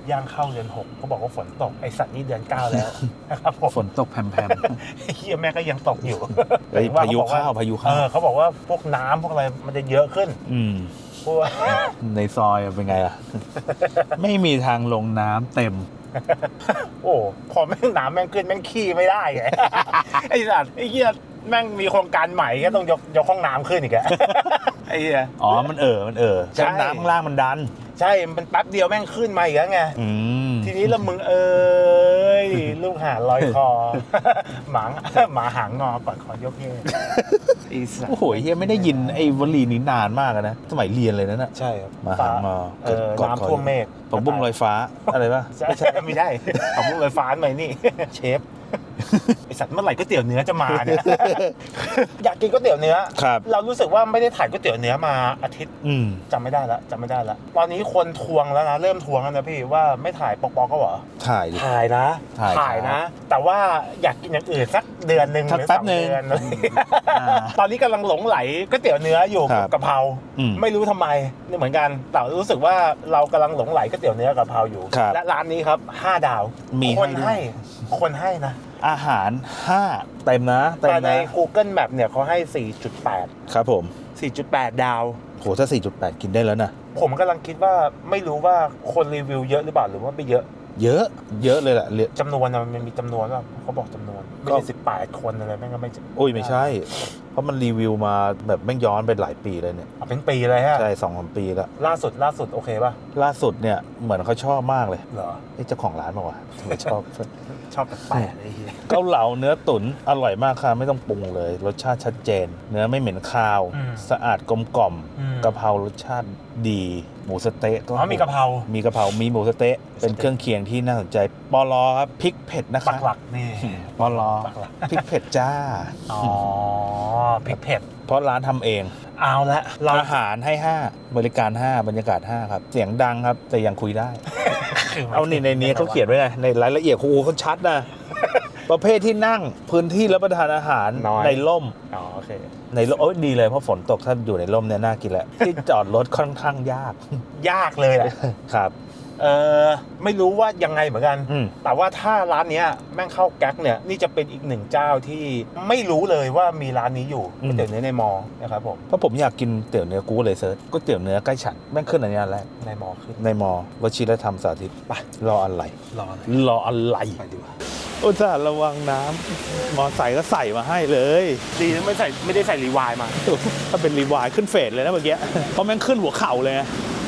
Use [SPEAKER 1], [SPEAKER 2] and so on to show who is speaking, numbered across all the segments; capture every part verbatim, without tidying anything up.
[SPEAKER 1] ย่างเข้าเดือนหกเขาบอกว่าฝนตกไอสัตว์นี่เดือนเก้าแล้วนะครับผม
[SPEAKER 2] ฝนตกแผ่ม
[SPEAKER 1] ๆเฮียแม่ก็ยังตกอยู่
[SPEAKER 2] พายุเข้าพายุเข้า
[SPEAKER 1] เขาบอกว่าพวกน้ำพวกอะไรมันจะเยอะขึ้น
[SPEAKER 2] อืมในซอยเป็นไงล่ะไม่มีทางลงน้ำเต็ม
[SPEAKER 1] โอ้พอแม่งน้ำแม่งขึ้นแม่งขี้ไม่ได้ไงไอสัตว์ไอเหี้ยแม่งมีโครงการใหม่ก็ต้องยกยกห้องน้ำขึ้นอีกอะไอ้เหี้ย
[SPEAKER 2] อ๋อมันเออมันเออใช่น้ำข้างล่างมันดัน
[SPEAKER 1] ใช่มันแป๊บเดียวแม่งขึ้นมาอีกแล้วไงทีนี้แล้วมึงเอ้ยลูกหาลอยคอหมาหมาหางงอปัดคอยกเย่
[SPEAKER 2] โอ้โหเฮียไม่ได้ยินไอ้วลีนี้นานมากนะสมัยเรียนเลยนะน่ะ
[SPEAKER 1] ใช่ครับ
[SPEAKER 2] หมาหางงอ
[SPEAKER 1] น้ำท่วมเมฆ
[SPEAKER 2] ผักบุ้งลอยฟ้าอะไรป่ะ
[SPEAKER 1] ไม่ใช่ไม่ได้ผักบุ้งลอยฟ้าใหม่นี่เชฟไอสัตว์เมื่อไหร่ก๋วยเตี๋ยวเนื้อจะมาเนี่ยอยากกินก๋วยเตี๋ยวเนื้อเรารู้สึกว่าไม่ได้ถ่ายก๋วยเตี๋ยวเนื้อมาอาทิตย์จำไม่ได้ละจำไม่ได้ละตอนนี้คนทวงแล้วนะเริ่มทวงแล้วนะพี่ว่าไม่ถ่ายปอกปอกก็เหรอ
[SPEAKER 2] ถ่าย
[SPEAKER 1] ถ่ายนะถ่ายนะแต่ว่าอยากกินอย่างอื่นสักเดือนหนึ่งหรือสองเดือนตอนนี้กำลังหลงไหลก๋วยเตี๋ยวเนื้ออยู่กับกะเพราไม่รู้ทำไมนี่เหมือนกันแต่รู้สึกว่าเรากำลังหลงไหลก๋วยเตี๋ยวเนื้อกะเพราอยู่และร้านนี้ครับห้าดาวคนให้คนให้นะ
[SPEAKER 2] อาหารห้าเต็มนะ
[SPEAKER 1] แต่ใน Google Map เนี่ยเขาให้ สี่จุดแปด
[SPEAKER 2] ครับผม
[SPEAKER 1] สี่จุดแปด ดาว
[SPEAKER 2] โหถ้า สี่จุดแปด กินได้แล้วนะ
[SPEAKER 1] ผมกำลังคิดว่าไม่รู้ว่าคนรีวิวเยอะหรือเปล่าหรือว่าไม่เยอะ
[SPEAKER 2] เยอะเยอะเลยแหละ
[SPEAKER 1] จำนวนมันมีจำนวนว่าเขาบอกจำนวนไม่ใช่สิบแปดคนอะไรแม่งก็ไม่
[SPEAKER 2] โอ้ยไม่ใช่เพราะมันรีวิวมาแบบแม่งย้อนไปหลายปีเลยเนี่ย
[SPEAKER 1] เป็นปีเลยฮะ
[SPEAKER 2] ใช่สองสามปีแล้ว
[SPEAKER 1] ล่าสุดล่าสุดโอเคป่ะ
[SPEAKER 2] ล่าสุดเนี่ยเหมือนเขาชอบมากเลย
[SPEAKER 1] เหรอ
[SPEAKER 2] ไอ้เจ้าของร้านบอกว่าชอบ
[SPEAKER 1] ชอบแปลกๆไอ้เหี้ย
[SPEAKER 2] เกาเหลาเนื้อตุ๋นอร่อยมากค่ะไม่ต้องปรุงเลยรสชาติชัดเจนเนื้อไม่เหม็นคาวสะอาดกลมกล่อมกะเพรารสชาติดีหมูสเต๊ะ
[SPEAKER 1] ก็มีกะเพรา
[SPEAKER 2] มีกะเพรามีหมูสเต๊ะเป็นเครื่องเคียงที่น่าสนใจปลอครับพริกเผ็ดนะคะ
[SPEAKER 1] ปักหลักนี่
[SPEAKER 2] ปลอพริกเผ็ดจ้า
[SPEAKER 1] อ๋อพริกเผ็ด
[SPEAKER 2] เพราะร้านทำเอง
[SPEAKER 1] เอาละ
[SPEAKER 2] อาหารให้ห้าบริการห้าบรรยากาศห้าครับเสียงดังครับแต่ยังคุยได้เอานี่ในนี้เขาเขียนไว้ไงในรายละเอียดโอ้โหเขาชัดนะประเภทที่นั่งพื้นที่รับประทานอาหารในร่ม
[SPEAKER 1] อ๋อโอเค
[SPEAKER 2] ในร่มโอ้ยดีเลยเพราะฝนตกถ้าอยู่ในร่มเนี่ยน่ากินแหละที่จอดรถค่อนข้างยาก
[SPEAKER 1] ยากเลยแหละ
[SPEAKER 2] ครับ
[SPEAKER 1] เออไม่รู้ว่ายังไงเหมือนกันแต่ว่าถ้าร้านนี้แม่งเข้าแก๊กเนี่ยนี่จะเป็นอีกหนึ่งเจ้าที่ไม่รู้เลยว่ามีร้านนี้อยู่ก๋วยเตี๋ยวเนื้อในมอนะครับผม
[SPEAKER 2] เพราะผมอยากกินเตี๋ยวเนื้อกูเลยเซิร์ชก๋วยเตี๋ยวเนื้อใกล้ฉันแม่งขึ้นอันนี้อันแรก
[SPEAKER 1] ในมอขึ้น
[SPEAKER 2] ในมอวชิรธรรมสาธิตไปรออะไร
[SPEAKER 1] รออะไร
[SPEAKER 2] รออะไร
[SPEAKER 1] ไปดีกว่า
[SPEAKER 2] อุตส่าห์ระวังน้ำมอใส่ก็ใส่มาให้เลย
[SPEAKER 1] ดีนะไม่ใส่ไม่ได้ใส่รีวายมา
[SPEAKER 2] ถ้าเป็นรีวายขึ้นเฟสเลยนะเมื่อกี้เพราะแม่งขึ้นหัวเข่าเลย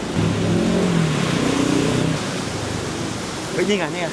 [SPEAKER 1] เฮ้ยนี่ไงนี่ไง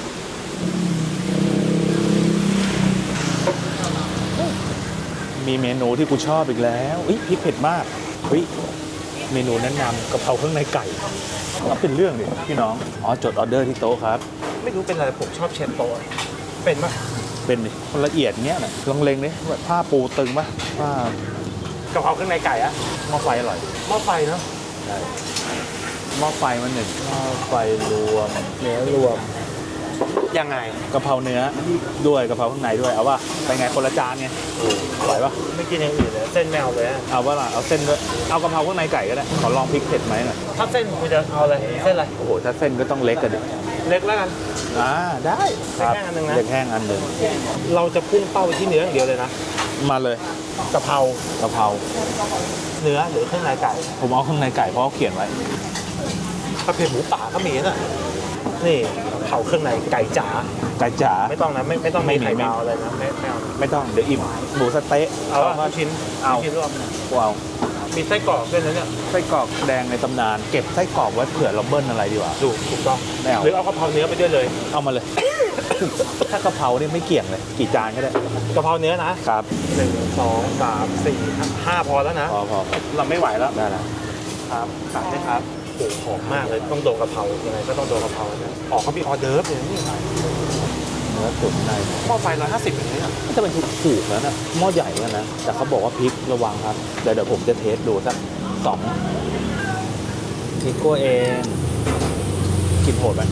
[SPEAKER 2] มีเมนูที่กูชอบอีกแล้วอุ๊ยพริกเผ็ดมากเฮ้ยเมนูแนะนำกะเพราเครื่องในไก่ก็เป็นเรื่องดิพี่น้องอ๋อจดออเดอร์ที่โต๊ะครับ
[SPEAKER 1] ไม่รู้เป็นอะไรผมชอบเชฟโต๊ะเป็นปะ
[SPEAKER 2] เป็นดิคนละเอียดเงี้ยนะลองเล็งดิแบบผ้าปูตึงปะผ้าก
[SPEAKER 1] ะเพราเครื่องในไก่อะ
[SPEAKER 2] หม้อไฟอร่อย
[SPEAKER 1] หม้อไฟเนาะ
[SPEAKER 2] ใช่หม้อไฟมันหนึ่งหม้อไฟรวม
[SPEAKER 1] เนื้อรวมยังไง
[SPEAKER 2] กะเพราเนื้อด้วยกะเพราข้างในด้วยเอาว่าไปไงคนละจานไงไหวปะ
[SPEAKER 1] ไม่กินอย่างอื่นเลยเส้นแมวเลย
[SPEAKER 2] เอาว่าล่ะเอาเส้นด้วยเอากะเพราข้างในไก่ก็ได้ขอลองพริกเผ็ดไหมหน่อย
[SPEAKER 1] ถ้าเส้นคุณจะเอาอะไรเส้นอะไร
[SPEAKER 2] โอ้โหถ้าเส้นก็ต้องเล็กกันดิ
[SPEAKER 1] เล็กแล้วกัน
[SPEAKER 2] อ่าได้
[SPEAKER 1] เล็กแห้งอันนึงนะ
[SPEAKER 2] เล็กแห้งอันนึง
[SPEAKER 1] เราจะพุ่งเป้าไปที่เนื้ออย่างเดียวเลยนะ
[SPEAKER 2] มาเลย
[SPEAKER 1] กะเพราก
[SPEAKER 2] ะเพรา
[SPEAKER 1] เนื้อหรือเครื่องในไก่
[SPEAKER 2] ผมเอาเครื่องในไก่เพราะเขาเขียนไว้
[SPEAKER 1] กระเพราหมูป่าก็มีน่ะนี่เผาเครื่องในไก่จ๋า
[SPEAKER 2] ไก่จ๋า
[SPEAKER 1] ไม่ต้องนะไม่ไม่ต้องมีไข่ดาวอะไรนะไม่ไม่เอา
[SPEAKER 2] ไม่ต้องเดี๋ยวอิ่มหมูสเต๊ะ
[SPEAKER 1] เอาว่าชิ้น
[SPEAKER 2] เอา
[SPEAKER 1] ชิ้นรวม
[SPEAKER 2] ว้าว
[SPEAKER 1] มีไส้กรอกด้วยนะเนี่ย
[SPEAKER 2] ไส้กรอกแดงในตำนานเก็บไส้กรอกไว้เผื่อเราเบิ้ลอะไรดีกว่า
[SPEAKER 1] ดูถูกต้องหรือเอากะเพราเนื้อไปด้วยเลย
[SPEAKER 2] เอามาเลยถ้ากะเพราเนี่ยไม่เกี่ยงเลยกี่จานก็ได้
[SPEAKER 1] กะเพราเนื้อนะครับหนึ่งสองสามสี่ห้าพอแล้วนะ
[SPEAKER 2] พอพอ
[SPEAKER 1] เราไม่ไหวแล้ว
[SPEAKER 2] ได้แล้ว
[SPEAKER 1] ครับสั่งได้ครับโอ้หอมมากเลยต้องโดนกะเพรายังไงก็ต้องโดนกะเพรานะออกเขามีออเดิร์ฟอย่างนี้
[SPEAKER 2] เนื้อตุ๋นใน
[SPEAKER 1] หม้อไฟร้อยห้าสิบอย่างนี้
[SPEAKER 2] จะเป็นถูกแล้วนะหม้อใหญ่แล้วนะแต่เขาบอกว่าพริกระวังครับเดี๋ยวเดี๋ยวผมจะเทสดูสักสองพริกกัวเองกินโหดไหม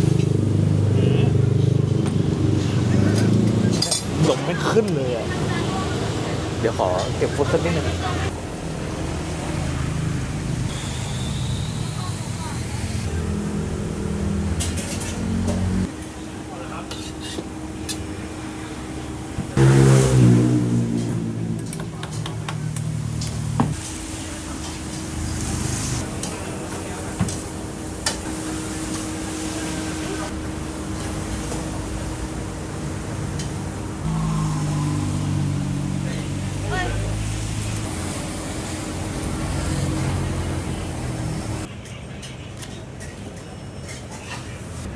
[SPEAKER 2] ดมไม่ขึ้นเลยอ่ะเดี๋ยวขอเก็บฟุตสักนิดนึง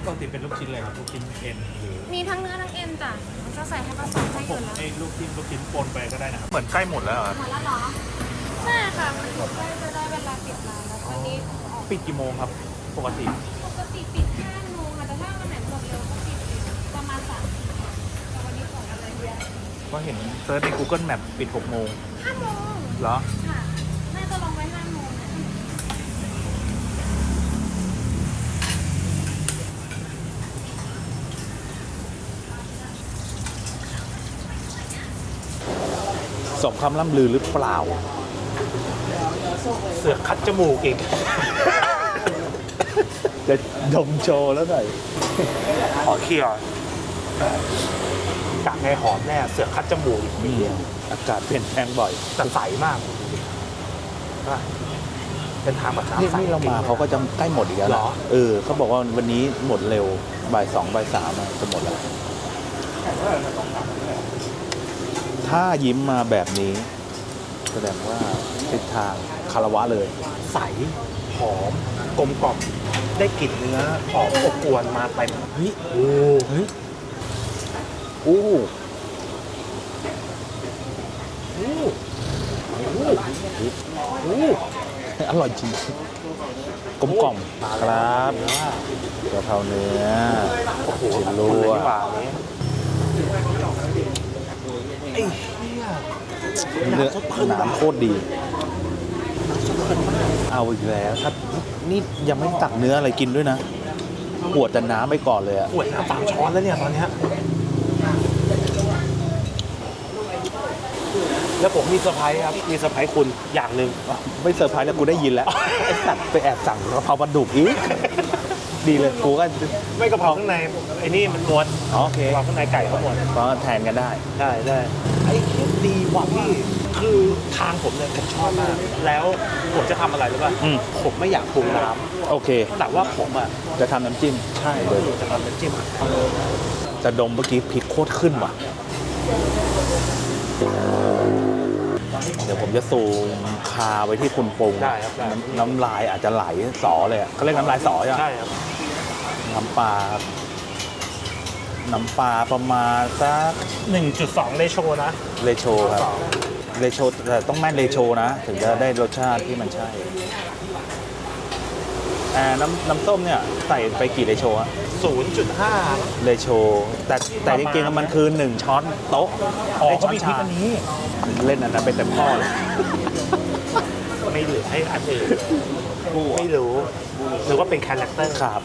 [SPEAKER 2] ปกติเป็นลูกชิ้นอะไรครับลูกชิ้นเอ็นหรือ
[SPEAKER 3] มีทั้งเนื้อทั้งเอ็นจ้ะมันก็ใส่ให้ผสมให้
[SPEAKER 2] ผ
[SPEAKER 3] อยู่
[SPEAKER 2] ม
[SPEAKER 3] แล้ว
[SPEAKER 2] ไอ้ลูกชิ้นลูกชิ้นปนไปก็ได้นะครับเหมือนใกล้หมดแล้วเหรอ
[SPEAKER 3] หมดแล้วเหรอใช่ค่ะมันถูกใกล้จะได้เวลาปิดร้านแล้วตอนนี้ออก
[SPEAKER 2] ปิดกี่โมงครับปกติ
[SPEAKER 3] ปกติปิดห้าโมงค่ะแต่ถ้าวันไหนหมดเร็วก็ปิดประมาณสามแต่วันนี้ของอะไรเยอะ
[SPEAKER 2] ก็เห็นเซิร์ชใน Google Map ปิดหกโมง
[SPEAKER 3] ห้าโมง
[SPEAKER 2] เหรอ
[SPEAKER 3] ค่ะน่าจะลงไว้ห้าโมงนะ
[SPEAKER 2] สมคำล่ำลือหรือเปล่า
[SPEAKER 1] เสือกคัดจมูกอีก
[SPEAKER 2] จะดมโชว์แล้วหน่อย
[SPEAKER 1] ขอเคี่ยวกากไงหอมแน่เสือกคัดจมูกอีก
[SPEAKER 2] อืมอากาศเปลี่ยนแปลงบ่อย
[SPEAKER 1] แต่ใสมากว่าเป็นทางแบบ
[SPEAKER 2] นี่
[SPEAKER 1] น้ำใส
[SPEAKER 2] นี่เรามาเขาก็จะใกล้หมดอีกแล้ว
[SPEAKER 1] เหร
[SPEAKER 2] นะ
[SPEAKER 1] อ
[SPEAKER 2] เออเขาบอกว่าวันนี้หมดเร็วบ่ายสองบ่ายสามอะจะหมดแล้ว ถ้ายิ้มมาแบบนี้ แสดงว่าทิศทางคารวะเลย
[SPEAKER 1] ใสหอมกลมกล่อมได้กลิ่นเนื้อหอมอบอวนมาเต็ม
[SPEAKER 2] เฮ้ย
[SPEAKER 1] โอ้
[SPEAKER 2] เฮ้ยอู้
[SPEAKER 1] โหโอ้โห
[SPEAKER 2] อู้อร่อยจริงกลมกล่อมครับกะเพราเนื้อ
[SPEAKER 1] โอ้โห
[SPEAKER 2] ชิ้น
[SPEAKER 1] รั
[SPEAKER 2] รั
[SPEAKER 1] เล
[SPEAKER 2] วย
[SPEAKER 1] ดีกว่านี้ไอ้เหี้ย
[SPEAKER 2] เนื้อน้ำโคตรดี เอาอีกแล้วถ้านี่ยังไม่ตักเนื้ออะไรกินด้วยนะปวดแต่น้ำไปก่อนเลยอะ
[SPEAKER 1] ขวดน้ำสามช้อนแล้วเนี่ยตอนเนี้ยแล้วผมมีเซอร์ไพรส์ครับ มีเซอร์ไพรส์คุณอย่างหนึ่ง
[SPEAKER 2] ไม่เซอร์ไพรส์แล้วกูได้ยินแล้ว ไอ้สัตว์ไปแอบสั่งกะเพราปลาดุกอีกดีเลยกูก็
[SPEAKER 1] ไม่กระเพราข้างในไอ้นี่มันม้วน
[SPEAKER 2] อ๋อโอเค
[SPEAKER 1] กระเพราข้างในไก่เขาม้วน
[SPEAKER 2] ก็แทนกันได้
[SPEAKER 1] ได้ได้ไอ้คิดดีว่ะพี่คือทางผมเนี่ยผมชอบมาก แล้วผมจะทำอะไรรู้ป่ะ
[SPEAKER 2] อืม
[SPEAKER 1] ผมไม่อยากปรุงน้
[SPEAKER 2] โอเค
[SPEAKER 1] ำแต่ว่าผมอ่ะ
[SPEAKER 2] จะทำน้ำจิ้ม
[SPEAKER 1] ใช่
[SPEAKER 2] เดี๋ยว
[SPEAKER 1] จะทำน้ำจิ้ม
[SPEAKER 2] จะดมเมื่อกี้พริกโคตรขึ้นว่ะ เดี๋ยวผมจะซูมคาไว้ที่คุณปรุง
[SPEAKER 1] ได้ครับได้
[SPEAKER 2] น้ำน้ำลายอาจจะไหลสอเลยอะเขาเรียกน้ำลายสอใช่ไหม
[SPEAKER 1] ใช่ครับ
[SPEAKER 2] น้ำปลาครับน้ำปลาประมาณสัก
[SPEAKER 1] หนึ่งจุดสองเลโชนะ
[SPEAKER 2] เลโชครับเลโชแต่ต้องแม่นเลโชนะ ถึงจะได้รสชาติที่มันใช่อ่าน้ำน้ำส้มเนี่ยใส่ไปกี่เลโชอะ
[SPEAKER 1] ศูนย์จุดห้า
[SPEAKER 2] เลโชแต่แต่จริงๆมันคือหนึ่งช้อนโต๊ะ
[SPEAKER 1] อ๋อ
[SPEAKER 2] ไอ้
[SPEAKER 1] เขา
[SPEAKER 2] ช้อน
[SPEAKER 1] มีพริก
[SPEAKER 2] ชา
[SPEAKER 1] อันนี้
[SPEAKER 2] เล่นอันนั้นเป็นเต็มข้อเลย
[SPEAKER 1] ไม่เหลือให้อันอื่นไม่รู้ หรือว่าเป็นคาแรคเตอร์
[SPEAKER 2] ครับ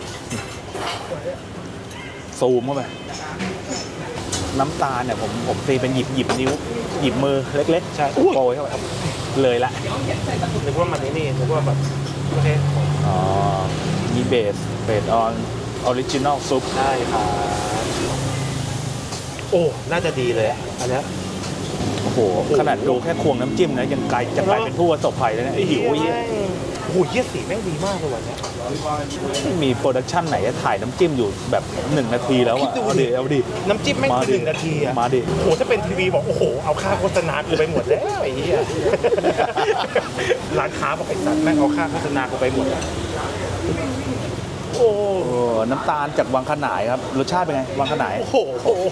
[SPEAKER 2] ซูมเข้าไปน้ำตาลเนี่ยผมผมตีเป็นหยิบหยิบนิ้ว หยิบมือเล็กๆ ใช่โปรยเข้าไปครับเลยละ
[SPEAKER 1] นึกว่ามันนี่นี่นึกว่าแบบโอเค
[SPEAKER 2] อ๋อมีเบสเบสออนออริจินอลซุป
[SPEAKER 1] ได้ครับโอ้ น่าจะดีเลยอะอันเนี้ย
[SPEAKER 2] โอ้โห ขนาดดูแค่ควงน้ำจิ้มนะยังกลายจะกลายเป็นผู้ประสบภัยแล้วเนี่ยหิวเยี่ย
[SPEAKER 1] โอ้โหเยี่ยสีแม่งดีมากเลยวันเนี้ย
[SPEAKER 2] ไม่มีโปรดักชั่นไหนจะถ่ายน้ำจิ้มอยู่แบบหนึ่งนาทีแล้ว
[SPEAKER 1] คิ
[SPEAKER 2] อะ
[SPEAKER 1] ดดู
[SPEAKER 2] เอา
[SPEAKER 1] ดิ
[SPEAKER 2] ดิเอาดิ
[SPEAKER 1] น้ำจิ้มแม่ง
[SPEAKER 2] มา
[SPEAKER 1] คือ
[SPEAKER 2] ดิ
[SPEAKER 1] หนึ่งนาทีอะ
[SPEAKER 2] มาดิ
[SPEAKER 1] โอ้โหถ้าเป็นทีวีบอกโอ้โหเอาค่าโฆษณากูไปหมดแล้วไอ้เหี้ย ร้านค้าบอกไอ้สัตว์แม่งเอาค่าโฆษณากูไปหมดแล้วโอ้
[SPEAKER 2] โอ้น้ำตาลจากวังขนายครับรสชาติเป็นไงวังขนาย
[SPEAKER 1] โห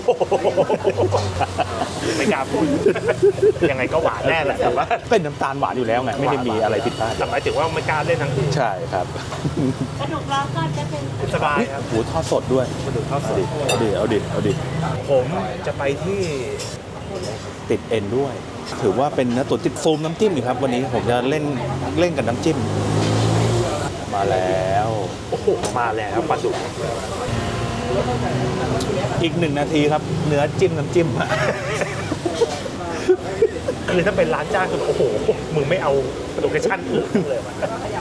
[SPEAKER 1] ไม่กล้าพูดยังไงก็หวานแน่แหละแต่ว่า
[SPEAKER 2] เป็นน้ำตาลหวานอยู่แล้วไงไม่ได้มีอะไรผิดพลาด
[SPEAKER 1] แต่หมายถึงว่าไม่กล้าเล่นทั้งอื่น
[SPEAKER 2] ใช่ครับ
[SPEAKER 3] กระดูกล้อก็จะเป็น
[SPEAKER 1] สบายครับ
[SPEAKER 2] หูทอดสดด้วย
[SPEAKER 1] มาดูข้าวส
[SPEAKER 2] เอา
[SPEAKER 1] ด
[SPEAKER 2] ดิเอาดิเอาดิเอาดิ
[SPEAKER 1] ผมจะไปที่
[SPEAKER 2] ติดเอ็นด้วย ถือว่าเป็นเนื้อตุ๋นติดซูมน้ำจิ้มอยู่ครับ วันนี้ผมจะเล่นเล่นกับน้ำจิ้ม มาแล้ว
[SPEAKER 1] โอ้โหมาแล้วปลาดุก
[SPEAKER 2] อีกหนึ่งนาทีครับ เนื้อจิ้มน้ำจิ้ม
[SPEAKER 1] คือถ้าเป็นร้านจ้างคือโอ้โหมึงไม่เอาโลเคชั่นอื่นเลยวะ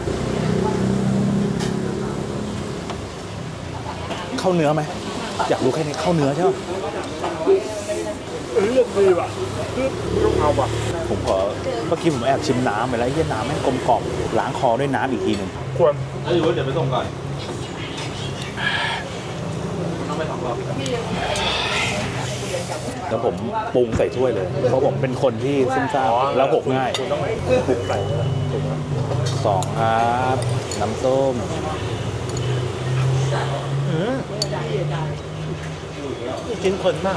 [SPEAKER 2] เข้าเนื้อไหมอยากรู้แค่นี้เข้าเนื้อใช่ไหม
[SPEAKER 1] เออเรื่องดีว่ะคือต้องเอาว่ะ
[SPEAKER 2] ผมขอเมื่อกี้ผมแอบชิมน้ำไปแล้วไอ้เหี้ยน้ำแม่งกลมกล่อมล้างคอด้วยน้ำอีกทีหนึ่ง
[SPEAKER 1] ควร
[SPEAKER 2] ไม่รู้เดี๋ยวไปส่งก่อนแล้วผมปรุงใส่ถ้วยเลย เพราะผมเป็นคนที่ซุ่มซ่ามแล้วหกง่าย
[SPEAKER 1] คุณต้องปรุงใส่ถูกไหม
[SPEAKER 2] สองครับ น้ำส้ม
[SPEAKER 1] อืมชิ้นเพลินมาก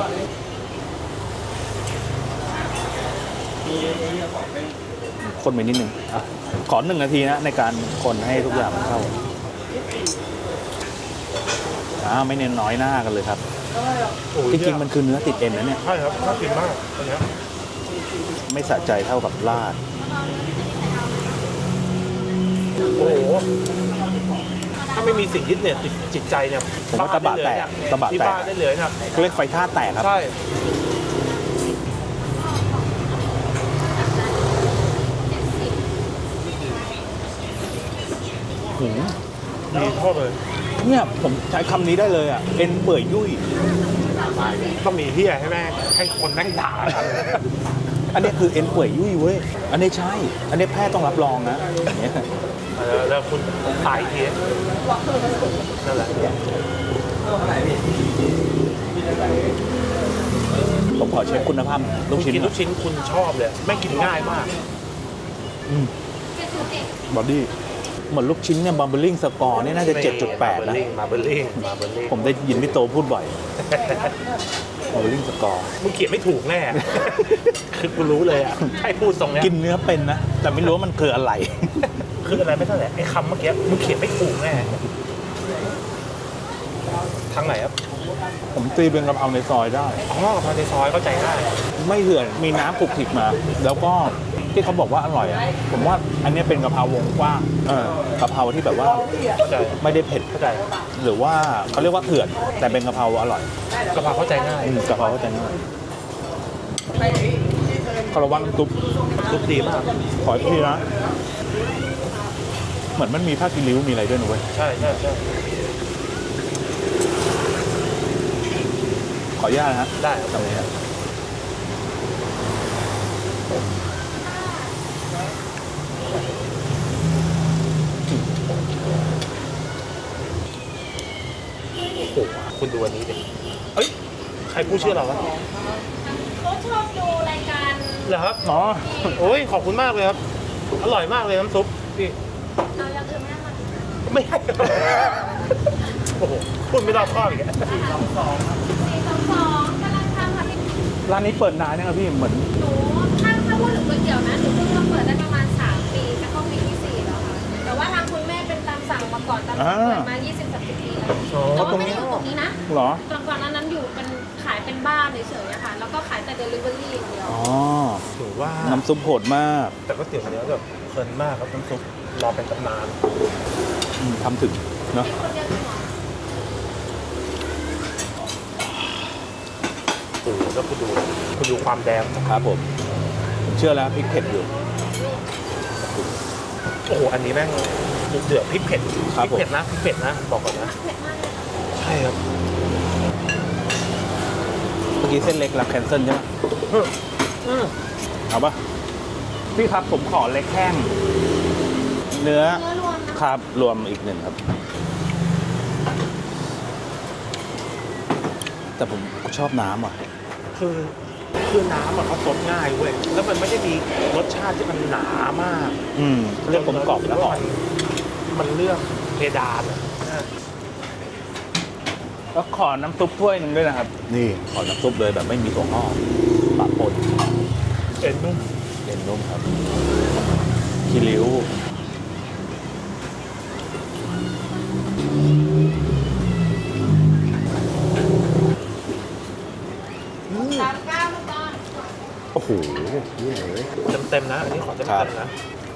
[SPEAKER 2] คนไปนิดนึงอ่ะขอหนึ่งนาทีนะในการคนให้ทุกอย่างมันเข้าอ่าไม่เน้นน้อยหน้ากันเลยครับจริงๆมันคือเนื้อติดเอ็นนะเนี่ย
[SPEAKER 1] ใช่ครับน่ากินมากอันเนี้ย
[SPEAKER 2] ไม่สะใจเท่ากับลาด
[SPEAKER 1] โอ้โหถ้าไม่มีสิ่งยึดเนี่ยจิตจิตใจเนี่ย
[SPEAKER 2] ผมว่าตะบะแตกตะบะ
[SPEAKER 1] ที่
[SPEAKER 2] แตก
[SPEAKER 1] บ้านได้เลยครับ
[SPEAKER 2] เรียกไฟท่าแตกครับ
[SPEAKER 1] ใช่
[SPEAKER 2] หืม
[SPEAKER 1] ดีชอบเลย
[SPEAKER 2] เนี่ยผมใช้คำนี้ได้เลยอ่ะเอ็นเปื่อยยุ่ย
[SPEAKER 1] ต้องมีที่ให้แม่งให้คนแม่งด่ากัน
[SPEAKER 2] อันนี้คือเอ็นเปื่อยยุ่ยเว้ยอันนี้ใช่ อันนี้แพทย์ต้องรับรองนะอย่างเงี้ย
[SPEAKER 1] เออแล้วคุณขายทีนั่นแหละ
[SPEAKER 2] ผมขอเช็คคุณภาพลู
[SPEAKER 1] คุ
[SPEAKER 2] ก
[SPEAKER 1] ณ
[SPEAKER 2] ชิ้น
[SPEAKER 1] กิน
[SPEAKER 2] หน่
[SPEAKER 1] ลู
[SPEAKER 2] อย
[SPEAKER 1] กชิ้นคุณชอบเลยแม่งกินง่ายมาก
[SPEAKER 2] บอดี้เหมือนลูกชิ้นเนี่ยบัมเบลลิงสกอร์เนี่ยน่าจะ เจ็ดจุดแปด นะ
[SPEAKER 1] มาเบอร์ลิงมาเบอร์ลิง
[SPEAKER 2] ผมได้ยินพี่โตพูดบ่อยบัมเบลลิงสกอร์
[SPEAKER 1] มึงเขียนไม่ถูกแน่ คือกูรู้เลยอ่ะให้พูดตรงเนี้ย
[SPEAKER 2] กินเนื้อเป็นนะ แต่ไม่รู้ว่ามันคืออะไร
[SPEAKER 1] คืออะไรไม่เท่าไหร่ไอ้คำเมื่อกี้มึงเขียนไม่ถูกแน่ทางไหนครับ
[SPEAKER 2] ผมตีเป็นกะเพราในซอยได้
[SPEAKER 1] อ๋อกับพาในซอยเข้าใจได้
[SPEAKER 2] ไม่เหื่อนมีน้ำผุกผิกมา แล้วก็ที่เขาบอกว่าอร่อยอ่ะผมว่าอันนี้เป็นกะเพราวงกว้างเออกะเพราที่แบบว่า
[SPEAKER 1] เข้าใจ
[SPEAKER 2] ไม่ได้เผ็ด
[SPEAKER 1] เข้าใจ
[SPEAKER 2] หรือว่าเขาเรียกว่าเถื่อน แต่เป็นกะเพราอร่อย
[SPEAKER 1] กะเพราเข้าใจง่าย
[SPEAKER 2] อืมกะเพราเข้าใจง่ายคาราวานซุป
[SPEAKER 1] ซุปดีมาก
[SPEAKER 2] ขออีกทีนะเหมือนมันมีผ้ากิริ้วมีอะไรด้วยนะเว้ย
[SPEAKER 1] ใช่ใช่ใช่
[SPEAKER 2] ขออนุญาตนะฮะ
[SPEAKER 1] ได้ครับ
[SPEAKER 2] ตรงนี้ครับ
[SPEAKER 1] โอ้โหคุณดูอันนี้ดิเอ้ยใครพูดชื่อเราวะ
[SPEAKER 3] เขาชอบดูรายการ
[SPEAKER 1] เหรอครับ
[SPEAKER 2] อ๋อ
[SPEAKER 1] โอ้ยขอบคุณมากเลยครับ อร่อยมากเลยน้ำซุปพี่
[SPEAKER 3] เอาอย่างอื่นไม่ได้มา
[SPEAKER 1] ไม่ให้โอ้โหคุณไม่รอบคอบอีกแล้ว
[SPEAKER 3] สี่สองสองกำลังทำค่ะพี่
[SPEAKER 2] ร้านนี้เปิดนานยังครับพี่เหมือน
[SPEAKER 3] หนูถ้าถ้าพูดถึงก๋วยเตี๋ยวนะหนูเพิ่งมาเปิดได้ประมาณสามปีจะเข้าปีที่สี่แล้วค่ะแต่ว่าทางคุณแม่เป็นตามสั่งมาก่อนตามสั่งเปิดมายี่สิบสามสิบปีแล้วแต่ว่าไม่ได้อยู่ตรงนี้นะ
[SPEAKER 2] เหรอ
[SPEAKER 3] ก่อนก่อนหน้านั้นอยู่เป็นขายเป็นบ้านเฉยๆอะค่ะแล้วก็ขายแต่เดลิเวอรี่อย่างเดียว
[SPEAKER 2] อ๋อ
[SPEAKER 1] ถือว่า
[SPEAKER 2] น้ำซุปโหดมาก
[SPEAKER 1] แต่ก็เตี๋ยวเนื้อแบบเพลินมากครับน้ำซุปรอเป็นตำนาน
[SPEAKER 2] อืมทำถึงเนาะ
[SPEAKER 3] คนเดียวจริงเหรอ
[SPEAKER 1] โอ้โหแล้วคุณดูคุณดูความแดง
[SPEAKER 2] ครับผมผมเชื่อแล้วพริกเผ็ดอยู่
[SPEAKER 1] โอ้โหอันนี้แม่งเดือดพริกเผ็ด
[SPEAKER 2] ครับ
[SPEAKER 1] พริกเผ็ดนะพริกเผ็ดนะบอกก่อนนะ
[SPEAKER 3] เผ็ดมากเลยค่ะ
[SPEAKER 1] ใช่ครับ
[SPEAKER 2] เมื่อกี้เส้นเล็กรับแคนเซิลใช่ไหม
[SPEAKER 1] อืมอืม
[SPEAKER 2] เอาปะพี่ครับผมขอเล็กแห้งเนื้อ
[SPEAKER 3] เนื้อรวมนะครับ
[SPEAKER 2] รวมอีกหนึ่งครับ แต่ผมชอบน้ำอ่ะ
[SPEAKER 1] คือคือน้ำอะเขาซดง่ายเว้ยแล้วมันไม่ได้มีรสชาติที่มันหนามาก
[SPEAKER 2] อืมเรื่องกลมกล่อมแล้วหอม
[SPEAKER 1] มันเลือกเพดานอะ
[SPEAKER 2] แล้วขอน้ำซุปถ้วยหนึ่งด้วยนะครับ นี่ขอน้ำซุปเลยแบบไม่มีถั่วงอกปะปน
[SPEAKER 1] เอ็นนุ่ม
[SPEAKER 2] เย็นนุ่มครับคีริ้ว
[SPEAKER 3] สามเก้ามาก่อน
[SPEAKER 2] โอ้โห
[SPEAKER 1] เต็มเต็มๆนะ อันนี้ขอเต็ม
[SPEAKER 2] ครั
[SPEAKER 1] เต็
[SPEAKER 2] บ
[SPEAKER 1] มนะ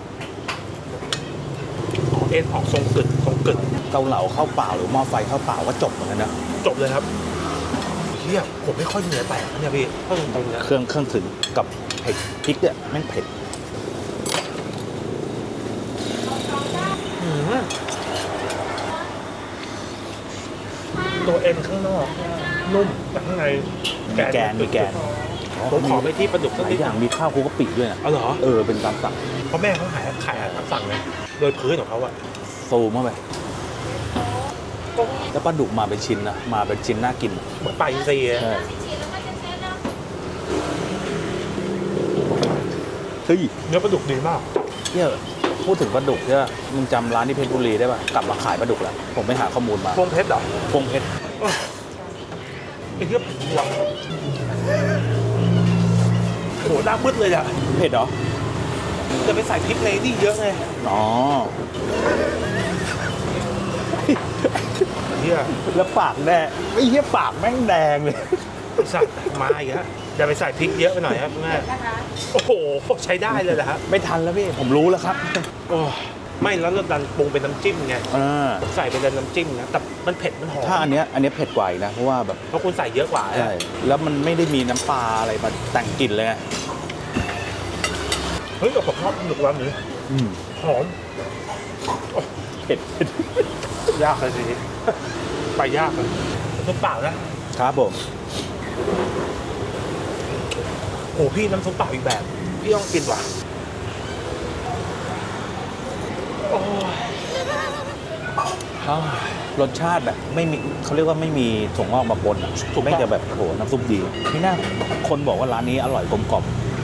[SPEAKER 1] อ๋อเอ็นออกทรงกึดทรงกึด
[SPEAKER 2] เกาเหลาข้าวเปล่าหรือหม้อไฟข้าวเปล่าก็จบเหมือนกันนะ
[SPEAKER 1] จบเลยครับเฮียผมไม่ค่อยเหนื่อยแตกนะเนี่ยพี่ถ้าตรงๆเนี่ย
[SPEAKER 2] เครื่องเครื่องถึงกับเผ็ดพริกเนี่ยแม่งเผ็ด
[SPEAKER 1] อืมตัวเอ็นข้างนอกนุ่มแต่ข้างใน
[SPEAKER 2] มีแกนมีแกน
[SPEAKER 1] ผมขอไปที่ปลาดุก
[SPEAKER 2] ห
[SPEAKER 1] สัก
[SPEAKER 2] ลาย
[SPEAKER 1] นิด
[SPEAKER 2] อย่างมีข้าวคลุกกะปิด้วยนะ
[SPEAKER 1] เอาเหรอ
[SPEAKER 2] เออเป็นตามสั่ง
[SPEAKER 1] เพราะแม่เขาขายขายอาหารตามสั่งไงโดยพื้นของเขาอะ
[SPEAKER 2] ซูมเข้าไปแล้วปลาดุกมาเป็นชิ้นนะมาเป็นชิ้นน่ากิน
[SPEAKER 1] เหมือนปลาอินทรีย์อะ
[SPEAKER 2] ใช่
[SPEAKER 3] ฉีดแล้วก็จะเช็ดแล้ว
[SPEAKER 2] เฮ้ย
[SPEAKER 1] เนื้อปลาดุกดีมาก
[SPEAKER 2] เนี่ยพูดถึงปลาดุกเนี่ยมึงจำร้านที่เพชรบุรีได้ป่ะกลับมาขายปลาดุกแล้วผมไปหาข้อมูลมา
[SPEAKER 1] พวงเพชรเหรอ
[SPEAKER 2] พงเพชร
[SPEAKER 1] ไอ้เหี้ยหวังโอ้โหหน้ามืดเลยอะ
[SPEAKER 2] เผ็ดเหรอ
[SPEAKER 1] จะไปใส่พริกในนี่เยอะไง
[SPEAKER 2] อ๋อ
[SPEAKER 1] เหี้ย
[SPEAKER 2] แล้วปากแดงไอ้เหี้ยปากแม่งแดงเลย
[SPEAKER 1] สัตว์มาอีกฮะอย่าไปใส่พริกเยอะไปหน่อยครับคุณแม่
[SPEAKER 3] นะคะ
[SPEAKER 1] โอ้โหใช้ได้เลยแหละครับ
[SPEAKER 2] ไม่ทันแล้วพี่ผมรู้แล้วครับ
[SPEAKER 1] โอ้ไม่แล้วเราดันปรุงเป็นน้ำจิ้มไง
[SPEAKER 2] อ่า
[SPEAKER 1] ใส่เป็นน้ำจิ้มนะแต่มันเผ็ดมันหอม
[SPEAKER 2] ถ้าอันเนี้ยอันเนี้ยเผ็ดกว่าอีกนะเพราะว่าแบบ
[SPEAKER 1] เพราะคุณใส่เยอะกว่า
[SPEAKER 2] ใช่แล้วมันไม่ได้มีน้ำปลาอะไรมาแต่งกลิ่นเลยไง
[SPEAKER 1] เฮ้ยแต่ผมชอบหนุกร้านนี้
[SPEAKER 2] อืม
[SPEAKER 1] หอม
[SPEAKER 2] เผ็ด
[SPEAKER 1] ยากเลยทีนี้ไปยากเลยน้ำเปล่านะครับ
[SPEAKER 2] ผม
[SPEAKER 1] โอ้พี่น้ำซุปเปล่าอีกแบบ พี่ต้องกินว่ะโอ้ย
[SPEAKER 2] รสชาติแบบไม่มีเขาเรียกว่าไม่มีถั่วงอกมาปนอ่ะไม่จะแบบโอ้โหน้ำซุปดีนี่น่าคนบอกว่าร้านนี้อร่อยกลมกล่อม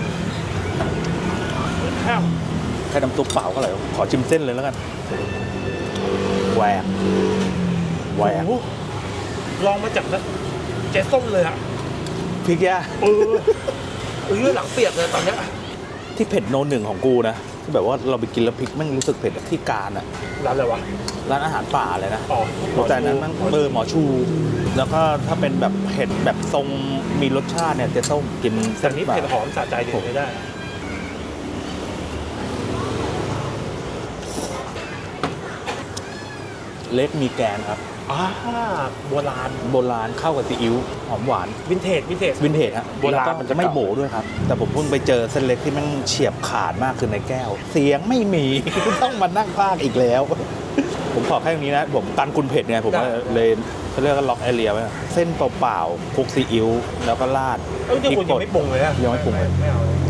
[SPEAKER 1] ข้าว
[SPEAKER 2] แค่น้ำซุปเปล่าก็อร่อยขอชิมเส้นเลยแล้วกันแหวกแหวก
[SPEAKER 1] โอ้โหลองมาจากนะเจ๊ส้มเลยอะ
[SPEAKER 2] พริกย่า
[SPEAKER 1] เออเออหลังเปียกเลยตอนเนี้ย
[SPEAKER 2] ที่เผ็ดโนหนึ่งของกูนะที่แบบว่าเราไปกินแล้วพริกแม่งรู้สึกเผ็ดอะที่การอ่ะ
[SPEAKER 1] ร้านอะไรวะ
[SPEAKER 2] ร้านอาหารป่าเลยนะ
[SPEAKER 1] อ๋อ
[SPEAKER 2] แต่อันนั้นมันเออหมอชู แล้วก็ถ้าเป็นแบบเผ็ดแบบทรงมีรสชาติเนี่ยเจ๊ส้มกิน
[SPEAKER 1] แต่
[SPEAKER 2] เส้น
[SPEAKER 1] นี้
[SPEAKER 2] ป่า
[SPEAKER 1] เผ็ดหอมสะใจดีไม่ได้
[SPEAKER 2] เล็กมีแกนครับ
[SPEAKER 1] อ่าโบราณ
[SPEAKER 2] โบราณเข้ากับซีอิ๊วหอมหวาน
[SPEAKER 1] วินเทจวินเทจ
[SPEAKER 2] วินเทจฮะ
[SPEAKER 1] โบราณ
[SPEAKER 2] แล้วก็
[SPEAKER 1] มันจะ
[SPEAKER 2] ไม่
[SPEAKER 1] เก่า
[SPEAKER 2] โบด้วยครับ แต่ผมเพิ่งไปเจอเส้นเล็กที่มันเฉียบขาดมากคือในแก้ว เสียงไม่มี ต้องมานั่งพากอีกแล้ว ผมขอแค่ตรงนี้นะ ผมกันคุณเผ็ดเนี่ยผมว่าเลยเขาเรียกว่าล็อกแอเรียไว้อะเส้นเปล่าๆคลุกซีอิ๊วแล้วก็ราด
[SPEAKER 1] เอ้ยเดี๋ยวคุณยังไม่ปรุงเลยอะ
[SPEAKER 2] ยังไม่ปรุงเลย
[SPEAKER 1] ไม่เอาเลย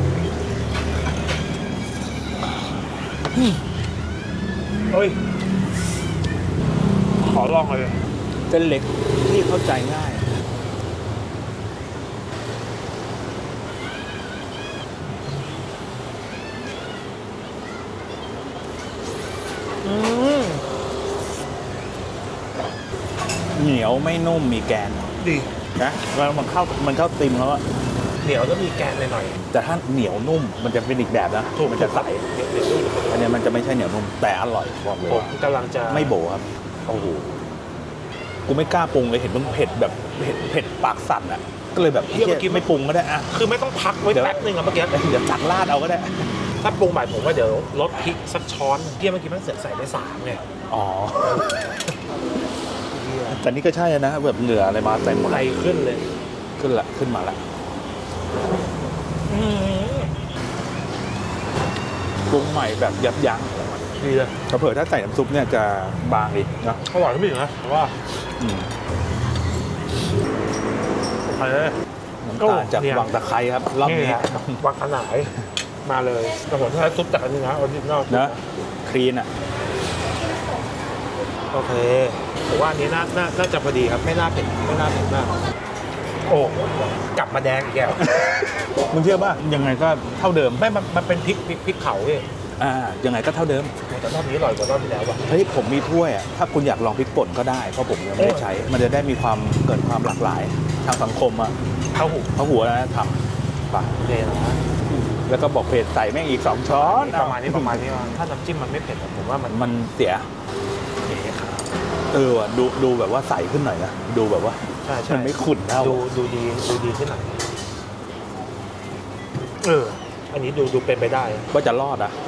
[SPEAKER 1] เฮ้ยขอลองเลย
[SPEAKER 2] เส้นเล็กที่เข้าใจง่าย
[SPEAKER 1] อืม
[SPEAKER 2] เหนียวไม่นุ่มมีแกน
[SPEAKER 1] ดี
[SPEAKER 2] นะแล้วมันเข้ามันเข้าติมแล้วอะ
[SPEAKER 1] เหนียวแล้วมีแกนหน่อย
[SPEAKER 2] แต่ถ้าเหนียวนุ่มมันจะเป็นอีกแบบนะ
[SPEAKER 1] ๆถูก
[SPEAKER 2] มันจะใส
[SPEAKER 1] เดี๋ยวเดี๋ยวดู
[SPEAKER 2] อันเนี้ยมันจะไม่ใช่เหนียวนุ่มแต่อร่อยบอกเลย
[SPEAKER 1] ผม
[SPEAKER 2] ว่า
[SPEAKER 1] กำลังจะ
[SPEAKER 2] ไม่โบครับโอ้โหกูไม่กล้าปรุงเลยเห็นมันเผ็ดแบบเผ็ดเผ็ดปากสั่นอ่ะก็เลยแบบเหี้ยไม่ปรุงก็ได้อะ
[SPEAKER 1] คือไม่ต้องพักไว้
[SPEAKER 2] เดี๋ยว
[SPEAKER 1] แป๊บนึงอะเมื่อกี้
[SPEAKER 2] เดี๋ยวตักราดเอาก็ได้
[SPEAKER 1] ถ้าปรุงใหม่ผมว่าเดี๋ยวลดพริกสักช้อนเที่ยเมื่อกี้มันเสือกใส่ไปสามไง
[SPEAKER 2] อ๋อแต่นี่ก็ใช่นะแบบเหงื่ออะไรมาเต็มหมด
[SPEAKER 1] ไหล
[SPEAKER 2] เลย
[SPEAKER 1] ขึ้นเลย
[SPEAKER 2] ขึ้นละขึ้นมาละ
[SPEAKER 1] อืม
[SPEAKER 2] ปรุงใหม่แบบยับยั้ง
[SPEAKER 1] ดีเลย
[SPEAKER 2] เผื่อถ้าใส่น้ำซุปเนี่ยจะบางอีกนะ
[SPEAKER 1] อร่อยขึ้นไปอีกนะเพราะว่า
[SPEAKER 2] อืม
[SPEAKER 1] โอเค
[SPEAKER 2] น้ำตาลจาก
[SPEAKER 1] เนี่ย
[SPEAKER 2] วังตะไคร้ครับรอบนี้
[SPEAKER 1] ฮะวังขนายมาเลยแต่ผมใช้ซุปจากอันนี้นะออริจินอล
[SPEAKER 2] นะคลีนอ่ะ
[SPEAKER 1] โอเคผมว่าอันนี้น่าน่าน่าจะพอดีครับไม่น่าเผ็ดไม่น่าเผ็ดมากโอ้กลับมาแดงอีกแล้ว
[SPEAKER 2] มึงเชื่อป่ะยังไงก็เท่าเดิม
[SPEAKER 1] ไม่มันมันเป็นพริกพริกพริกเผาพี่
[SPEAKER 2] อ่ายังไงก็เท่าเดิม
[SPEAKER 1] แต่รอบนี้อร่อยกว่ารอบที่แล้วว่ะ
[SPEAKER 2] เฮ้ยผมมีถ้วยอ่ะถ้าคุณอยากลองพริกป่นก็ได้เพราะผมยังไม่ได้ใช้ มันจะได้มีความเกิดความหลากหลายทางสังคมอ่ะ
[SPEAKER 1] เข้าหู
[SPEAKER 2] เขาหัวนะทำไป
[SPEAKER 1] โอเคนะ
[SPEAKER 2] แล้วก็บอกเผ็ดใส่แม่งอีกสองช้อน
[SPEAKER 1] ประมาณนี้ประมาณนี้ว่าถ้าน้ำจิ้มมันไม่เผ็ดอะผมว่ามัน
[SPEAKER 2] มันเสีย
[SPEAKER 1] โอเคครับ
[SPEAKER 2] เออว่ะดูดูแบบว่าใสขึ้นหน่อยนะดูแบบว่า
[SPEAKER 1] ใช่ใช่
[SPEAKER 2] มันไม่ขุ่นเท่า
[SPEAKER 1] ดูดูดีดูดีขึ้นหน่อยเออ อันนี้ดูดูเป็นไปได้
[SPEAKER 2] ว่าจะรอดอ่ะ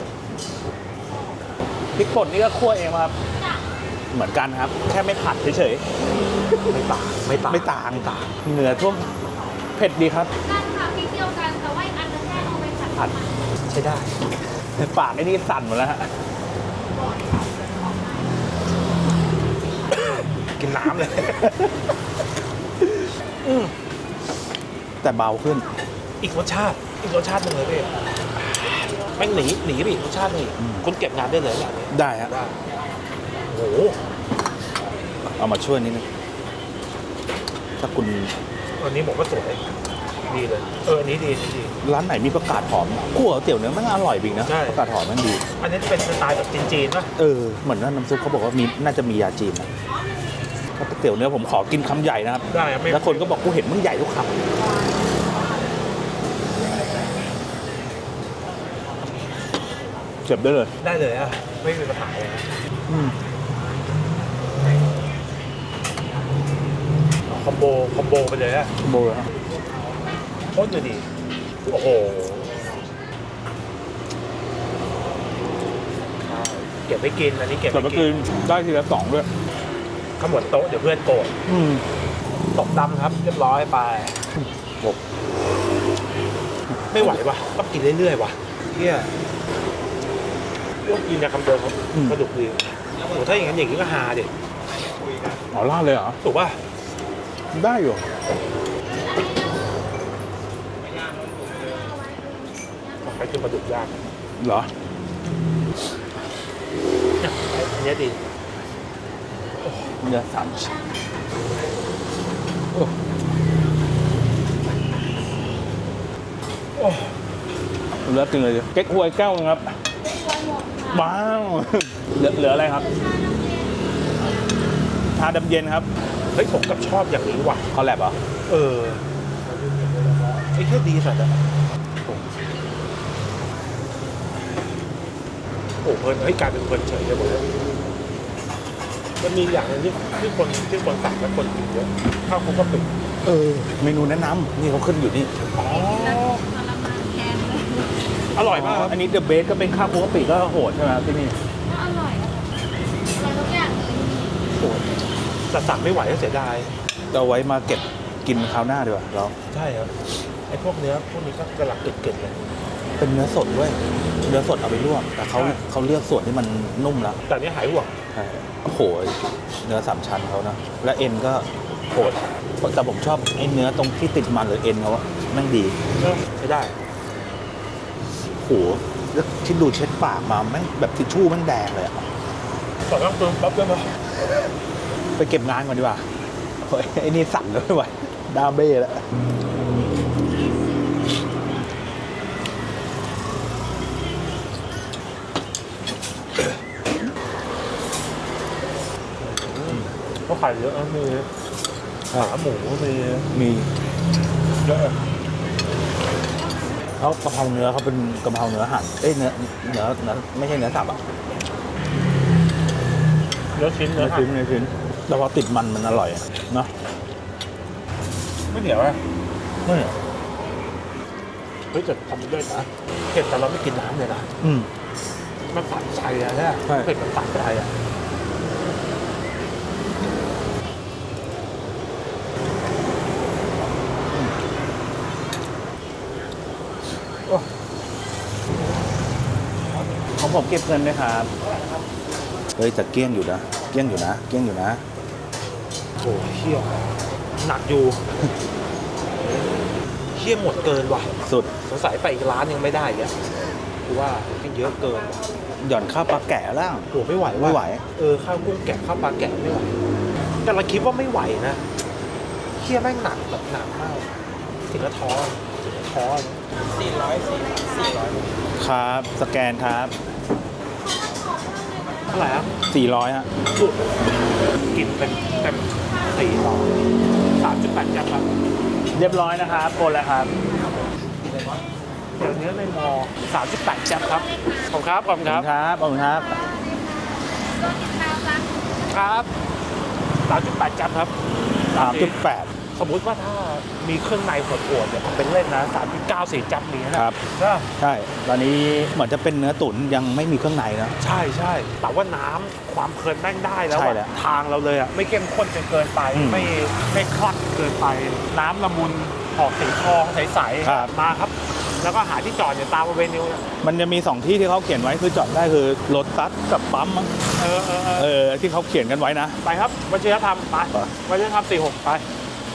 [SPEAKER 2] พริกป่นนี่ก็คั่วเองมาครับเหมือนกันครับ แค่ไม่ผัดเฉย
[SPEAKER 1] ไม่ต่างไม่ต่าง
[SPEAKER 2] ๆไม่ต่างต่างเนื้อท่วมเผ็ดดีครับ
[SPEAKER 3] กันค่ะพริกเดียวกันแต่ว่าอีกอันนึงแค่เอาไปผัด
[SPEAKER 2] ผัด
[SPEAKER 1] ใช้ได้
[SPEAKER 2] ปากไอ้นี่สั่นหมดแล้วฮะ
[SPEAKER 1] กินน้ำเลย
[SPEAKER 2] แต่เบาขึ้น
[SPEAKER 1] อีกรสชาติ อีกรสชาติหนึงเลยพี่แม่งหนีหนีไปอีกรสชาติหนึงอีก
[SPEAKER 2] อืม
[SPEAKER 1] คุณเก็บงานได้เลยอย่างนี้
[SPEAKER 2] ได้ฮะ
[SPEAKER 1] ได้โอ้โห
[SPEAKER 2] เอามาช่วยนิดนึงถ้าคุณ
[SPEAKER 1] อันนี้ผมก็สวยดีเลย เอออันนี้ดีอันนี้ดี
[SPEAKER 2] ร้านไหนมีประกาศหอมคั่วก๋วยเตี๋ยวเนื้อมันอร่อยจริงนะ
[SPEAKER 1] ใช่
[SPEAKER 2] ประกาศหอมมันดี
[SPEAKER 1] อันนี้เป็นสไตล์แบบจีนๆป่ะ
[SPEAKER 2] เออเหมือนว่าน้ำซุปเขาบอกว่ามีน่าจะมียาจีนนะเตี๋ยวเนื้อผมขอกินคำใหญ่นะครับ
[SPEAKER 1] ได้ครับไม่
[SPEAKER 2] แล้วคนก็บอกกูเห็นมึงใหญ่ทุกคำเจ็บได้เลย
[SPEAKER 1] ได้เลยอ่ะไม่มีปัญหาเลยนะ
[SPEAKER 2] อืม
[SPEAKER 1] คอมโบคอมโบไปเลยอ่ะ
[SPEAKER 2] โบยครับ
[SPEAKER 1] โคตรดีโอ้โหเก็บไว้กินอันนี้เก็บ
[SPEAKER 2] แต่
[SPEAKER 1] ไว้
[SPEAKER 2] เมื่อ
[SPEAKER 1] กิ
[SPEAKER 2] คื
[SPEAKER 1] น
[SPEAKER 2] นได้ทีละสองด้วย
[SPEAKER 1] ขมวดโต๊ะเดี๋ยวเพื่อนโกรธ
[SPEAKER 2] อืม
[SPEAKER 1] ตกดำครับ เรียบร้อยไป
[SPEAKER 2] บก
[SPEAKER 1] ไม่ไหวว่ะต้องกินเรื่อยๆว่ะเฮียต้องกินในคำเดิมครับกระดูกดีโอ้ถ้าอย่างนั้นอย่างนี้ก็ฮาดิ
[SPEAKER 2] อ๋อล่าดเลยเหรอ
[SPEAKER 1] ถูกป่ะ
[SPEAKER 2] ได้อยู่
[SPEAKER 1] ใครคือปลาดุกย่าง
[SPEAKER 2] เหรอ
[SPEAKER 1] เนี่ยอันนี้ดี
[SPEAKER 2] เนื้อสามชิ้นโอ้
[SPEAKER 1] โอ้
[SPEAKER 2] เหลือจริงเลยเก๊กฮวยแก้วนึงครับว้าว เหลือเหลืออะไรครับ ชาดำเย็นครับ
[SPEAKER 1] เฮ้ยผมกับชอบอย่างนี้ว่ะ
[SPEAKER 2] คอลแลบเหรอ
[SPEAKER 1] เออไอ้แค่ดีสัตว์อะโอ้เพลินเฮ้ยกลายเป็นเพลินเฉยเลยหมดเลยมันมีอย่างหนึงที่ที่คนที่คนสั่งและคนกินเยอะข้าวคลุกกะปิ
[SPEAKER 2] เออ เมนูแนะนำนี่เขาขึ้นอยู่นี่
[SPEAKER 1] อ๋อ
[SPEAKER 3] ทรมานแทนเลย
[SPEAKER 1] อร่อยมากครับ
[SPEAKER 2] อันนี้เดอะเบสก็เป็นข้าวคลุกกะปิก็โหดใช่ไหมครับที่นี่
[SPEAKER 3] ก็อร่อยอะอร่อยทุกอย่างเลย
[SPEAKER 1] โอ้แต่สั่งไม่ไหวก็เสียดาย
[SPEAKER 2] เราไว้มาเก็บกินคราวหน้าดีกว่าเรา
[SPEAKER 1] ใช่ครับไอ้พวกเนื้อพวกนี้ก็กำลังเกิดๆเลย
[SPEAKER 2] เป็นเนื้อสดด้วย เนื้อสดเอาไปลวกแต่เขา
[SPEAKER 1] ใช่
[SPEAKER 2] เขาเลือกส่วนที่มันนุ่มแล้ว
[SPEAKER 1] แต่อันนี้หายห่วง
[SPEAKER 2] ใช่โอ้โหเนื้อสามชั้นเขานะ และเอ็นก็โหดแต่ผมชอบไอ้เนื้อตรงที่ติดมันหรือเอ็นเขาอะแม่งดี
[SPEAKER 1] เออใช้ได้
[SPEAKER 2] โอ้โหแล้วที่ดูเช็ดปากมาแม่งแบบทิชชู่แม่งแดงเลยอะ
[SPEAKER 1] ต่อต้องเติมปั๊บด้วยนะ
[SPEAKER 2] ไปเก็บงานก่อนดีกว่าโอ้ยไอ้นี่สั่นเลยไม่ไหวดาเบ้แล้ว
[SPEAKER 1] เขาขายเยอะนะมีขาหมูมี
[SPEAKER 2] มี
[SPEAKER 1] เยอะ
[SPEAKER 2] เขากะเพราเนื้อเขาเป็นกะเพราเนื้อหั่นเอ้ยเนื้อเนื้อเนื้อไม่ใช่เนื้อสับอะ
[SPEAKER 1] เนื้อชิ้นเนื้
[SPEAKER 2] เนื้
[SPEAKER 1] อ
[SPEAKER 2] อ
[SPEAKER 1] หั่
[SPEAKER 2] ชิ้น
[SPEAKER 1] น
[SPEAKER 2] เนื้อชิ้นแต่พอติดมันมันอร่อยอะเนาะ
[SPEAKER 1] ไม่เหนียวอ่ะ
[SPEAKER 2] ไม่เหรอ
[SPEAKER 1] เฮ้ยแต่ทำด้วยนะเผ็ดแต่เราไม่กินน้ำเลยนะ
[SPEAKER 2] อืม
[SPEAKER 1] มันตัดใจอะใช่ไหม
[SPEAKER 2] ใช่
[SPEAKER 1] เผ็ดมันตัดใจอะโอ้
[SPEAKER 2] ของผมเก็บเงินด้วยครับเฮ้ยแต่เกลี้ยงอยู่นะเกลี้ยงอยู่นะเกลี้ยงอยู่นะ
[SPEAKER 1] โหเชี่ยหนักอยู่เชี่ยหมดเกินว่ะ
[SPEAKER 2] สุด
[SPEAKER 1] สงสัยไปอีกร้านยังไม่ได้อ่ะกูว่ามันเยอะเกินว่ะ
[SPEAKER 2] หย่อนข้าวปลาแกะแล้ว
[SPEAKER 1] โหไม่ไหวว่ะ
[SPEAKER 2] ไม่ไหว
[SPEAKER 1] เออข้าวกุ้งแกะข้าวปลาแกะไม่ไหวแต่เราคิดว่าไม่ไหวนะเชี่ยแม่งหนักแบบหนักมากถึงกระท้อถึงกระท้อสี่ร้อยสี่สี่ร้อย
[SPEAKER 2] ครับ สแกนครับ
[SPEAKER 1] เท่าไหร่ครับ
[SPEAKER 2] สี่ร้อยฮะ
[SPEAKER 1] กินเป็นเต็มสี่ร้อยสามจุดแปดยักษ์ครับ
[SPEAKER 2] เรียบร้อยนะครับโอนแล้วครับ
[SPEAKER 1] เดี๋ยวเนื้อในมอสามจุดแปดยักษ์ครับขอบคุณครับขอบคุณ
[SPEAKER 2] ข
[SPEAKER 1] ค
[SPEAKER 2] อบ
[SPEAKER 1] รับ
[SPEAKER 2] คุณครับขอบคุณครับ
[SPEAKER 3] โดนกินข้าวจ้ะ
[SPEAKER 1] ครับสามจุดแปดยักษ์ครับ
[SPEAKER 2] สามจุดแปด
[SPEAKER 1] สมมุติว่าถ้ามีเครื่องในโหดๆเนี่ยเป็นเล่นนะสามจุดเก้าสี่จับนี้นะครับ ใช่
[SPEAKER 2] ใช่ ตอนนี้เหมือนจะเป็นเนื้อตุ๋นยังไม่มีเครื่องในนะ
[SPEAKER 1] ใช่ใช่แต่ว่าน้ำความเพลินแม่งได้แล้ว
[SPEAKER 2] ใช่
[SPEAKER 1] อะ
[SPEAKER 2] แล้ว
[SPEAKER 1] ทางเราเลยอะไม่เข้มข้นจนเกินไป
[SPEAKER 2] อืม
[SPEAKER 1] ไม่ไม่คลักเกินไป น้ำละมุนออกสีทองใส
[SPEAKER 2] ครับ
[SPEAKER 1] ๆมาครับ แล้วก็หาที่จอดเนี่ยตามบริเวณนี้เนี่ย
[SPEAKER 2] มันจะมีสองที่ที่เขาเขียนไว้คือจอดได้คือรถตัสกับปั๊มมั้ง
[SPEAKER 1] เออเออเออ
[SPEAKER 2] เออที่เขาเขียนกันไว้นะ
[SPEAKER 1] ไปครับวัชิรธรรมไป
[SPEAKER 2] ไป
[SPEAKER 1] วัชิรธรรมสี่หกไป